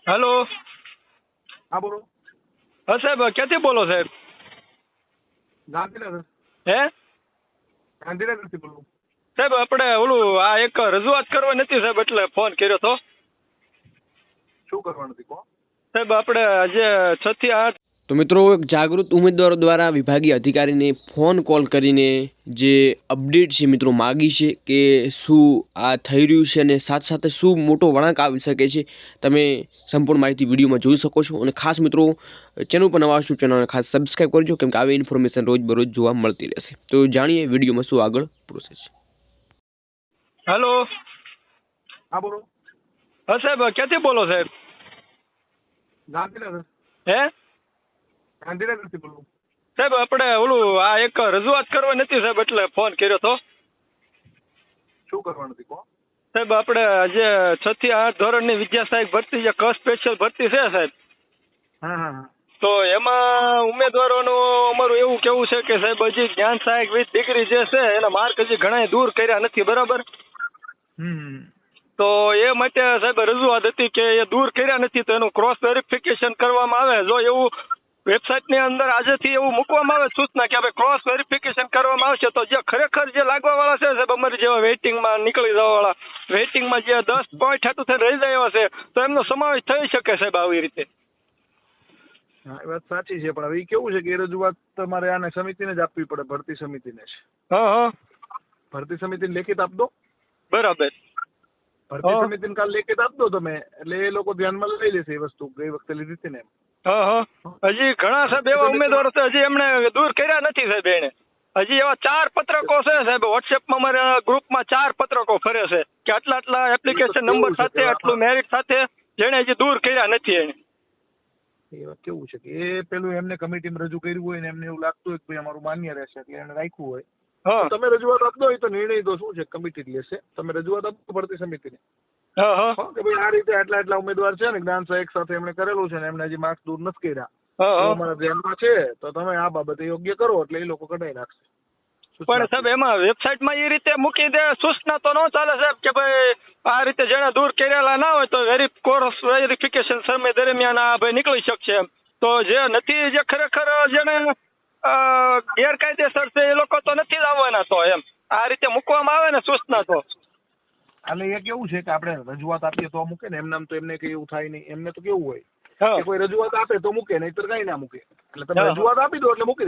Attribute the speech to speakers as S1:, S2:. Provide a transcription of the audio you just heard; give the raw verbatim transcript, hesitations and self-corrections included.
S1: Hello.
S2: હા બોલો.
S1: હા સાહેબ, ક્યાંથી બોલો સાહેબ?
S2: ગાંધીનગર.
S1: હે
S2: ગાંધીનગરથી બોલું.
S1: સાહેબ, આપણે ઓલું આ એક રજૂઆત કરવા નથી સાહેબ, એટલે ફોન કર્યો તો.
S2: શું કરવાનું હતું કહો.
S1: સાહેબ, આપણે આજે છ થી આઠ
S3: તો મિત્રો, એક જાગૃત ઉમેદવારો દ્વારા વિભાગીય અધિકારીને ફોન કોલ કરીને જે અપડેટ છે મિત્રો માગી છે કે શું આ થઈ રહ્યું છે અને સાથે સાથે શું મોટો વળાંક આવી શકે છે. તમે સંપૂર્ણ માહિતી વિડીયોમાં જોઈ શકો છો. અને ખાસ મિત્રો, ચેનલ પર નવા છો ચેનલને ખાસ સબસ્ક્રાઈબ કરજો, કેમ કે આવી ઇન્ફોર્મેશન રોજ બરોજ જોવા મળતી રહેશે. તો જાણીએ વિડીયોમાં શું આગળ પ્રોસેસ છે.
S1: હેલો.
S2: હા બોલો.
S1: હા સાહેબ, ક્યાંથી બોલો સાહેબ?
S2: ગાંધીનગર.
S1: હે
S2: ગાંધીનગરથી બોલું.
S1: સાહેબ, આપણે ઓલું આ એક રજૂઆત કરવા નથી સાહેબ, એટલે ફોન કર્યો તો.
S2: શું કરવાનું હતું કહો.
S1: સાહેબ, આપણે આજે છ થી આઠ ધોરણની વિદ્યા સહાયક ભરતી જે ક સ્પેશિયલ ભરતી છે સાહેબ,
S2: હા હા હા.
S1: તો એમાં ઉમેદવારોનું અમારું એવું કેવું છે કે સાહેબ હજી જ્ઞાન સહાયક વિથ ડિગ્રી જે છે એના માર્ક હજી ઘણા દૂર કર્યા નથી, બરાબર?
S2: હમ.
S1: તો એ માટે સાહેબ રજૂઆત હતી કે એ દૂર કર્યા નથી, તો એનું ક્રોસ વેરિફિકેશન કરવામાં આવે. જો એવું વેબસાઇટની અંદર આજેથી એવું મૂકવામાં આવે સૂચના કે ભાઈ ક્રોસ વેરિફિકેશન કરવામાં આવશે, તો જે ખરેખર જે લાગવાવાળા છે સાહેબ, અમારી જેવા વેઇટિંગમાં નીકળી જવાવાળા, વેઇટિંગમાં જે દસ પોઈન્ટ હતું તે રહી જાય એવા છે, તો એમનો સમાવેશ થઈ શકે સાહેબ આવી રીતે.
S2: હા, એ વાત સાચી છે, પણ હવે ઈ કેવું છે કે એ રજૂઆત તમારે આને સમિતિને જ આપવી પડે, ભરતી સમિતિને જ.
S1: હા હા,
S2: ભરતી સમિતિને લેખિત આપ દો.
S1: બરાબર.
S2: ભરતી
S1: હા.
S2: સમિતિને કાલ લેખિત આપ દો તમે, એટલે એ લોકો ધ્યાનમાં લઈ લેશે એ વસ્તુ ગઈ વખતે લીધી હતી ને એમ.
S1: હા હા, હજી ઘણા સાહેબ એવા ઉમેદવારો છે હજી એમણે દૂર કર્યા નથી સાહેબ. એને હજી એવા ચાર પત્રકો છે સાહેબ, વોટ્સએપમાં અમારા ગ્રુપમાં ચાર પત્રકો ફરે છે કે આટલા આટલા એપ્લિકેશન નંબર સાથે આટલું મેરિટ સાથે જેને હજી દૂર કર્યા નથી. એને
S2: એ વાત કેવું છે કે એ પેલું એમને કમિટીમાં રજૂ કર્યું હોય ને એમને એવું લાગતું હોય કે ભાઈ અમારું માન્ય રહેશે એટલે એને રાખ્યું હોય.
S1: હા
S2: તમે રજૂઆત આપો એ તો નિર્ણય તો શું છે કમિટી જ લેશે. તમે રજૂઆત આપો ભરતી સમિતિને
S1: હા હા
S2: કે ભાઈ આ રીતે આટલા આટલા ઉમેદવાર છે ને જ્ઞાન સહાયક સાથે એમણે કરેલું છે ને એમને હજી માર્ક્સ દૂર નથી કર્યા,
S1: હા
S2: તો
S1: હા.
S2: અમારા ધ્યાનમાં છે, તો તમે આ બાબતે યોગ્ય કરો એટલે એ લોકો કઢાઈ નાખશે.
S1: પણ સાહેબ એમાં વેબસાઇટમાં એ રીતે મૂકી દે સૂચના તો ન ચાલે સાહેબ કે ભાઈ આ રીતે જેને દૂર કરેલા ના હોય તો વેરી કોર્સ વેરિફિકેશન સમય દરમિયાન આ ભાઈ નીકળી શકશે એમ. તો જે નથી, જે ખરેખર જેને અ, ગેરકાયદેસર છે એ લોકો તો નથી જ આવવાના. તો એમ આ રીતે મૂકવામાં આવે ને સૂચના તો
S2: એટલે એ કેવું છે કે આપણે રજૂઆત આપીએ તો મૂકે ને, એમને તો એમને કઈ એવું થાય નહીં. એમને તો કેવું હોય
S1: હા
S2: કે કોઈ રજૂઆત આપે તો મૂકે, નહીતર કઈ ના મૂકે. એટલે તમે
S1: હા.
S2: રજૂઆત આપી દો એટલે મૂકી